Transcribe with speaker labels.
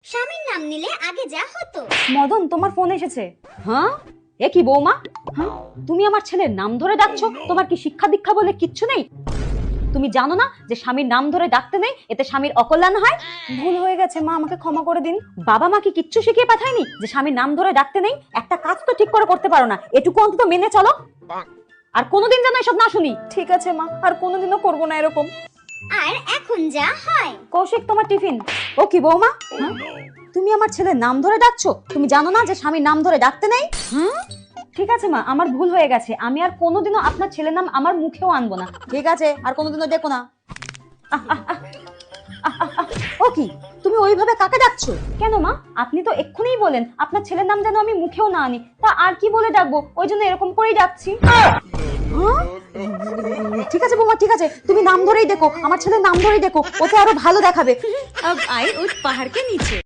Speaker 1: স্বামীর নাম নিলে আগে যা হতো।
Speaker 2: মদন, তোমার ফোন এসেছে। হ্যাঁ, এ কি বৌমা? হ্যাঁ, তুমি আমার ছেলের নাম ধরে ডাকছো? তোমার কি শিক্ষা দীক্ষা বলে কিচ্ছু নেই? তুমি জানো না যে স্বামীর নাম ধরে ডাকতে নেই, এতে স্বামীর অকল্যাণ হয়? ভুল হয়ে গেছে মা, আমাকে ক্ষমা করে দিন। বাবা মা কি কিচ্ছু শিখিয়ে পাঠায়নি যে স্বামীর নাম ধরে ডাকতে নেই? একটা কাজ তো ঠিক করে করতে পারো না, এটুকু অন্তত মেনে চলো। আর কোনোদিন যেন এসব না শুনি। ঠিক আছে মা, আর কোনোদিনও করবো না এরকম।
Speaker 1: আর এখন যা হয়।
Speaker 2: কৌশিক, তোমার টিফিন। ও কি বৌমা? হ্যাঁ? তুমি আমার ছেলের নাম ধরে ডাকছো? তুমি জানো না যে স্বামীর নাম ধরে ডাকতে নেই? হ্যাঁ, ঠিক আছে মা, আমার ভুল হয়ে গেছে। আমি আর কোনোদিনও আপনার ছেলের নাম আমার মুখেও আনবো না। ঠিক আছে, আর কোনোদিনও দেখো না। ও কি, তুমি ওইভাবে কাকে ডাকছো কেন মা? আপনি তো এক্ষুনি বলেন আপনার ছেলের নাম যেন আমি মুখেও না আনি, তা আর কি বলে ডাকবো? ওই জন্য এরকম করেই ডাকছি। হ্যাঁ? ঠিক আছে বৌমা, ঠিক আছে, তুমি নাম ধরেই দেখো, আমার ছেলের নাম ধরেই দেখো, ওতে আরো ভালো দেখাবে।
Speaker 1: अब आई उस पहाड़ के नीचे।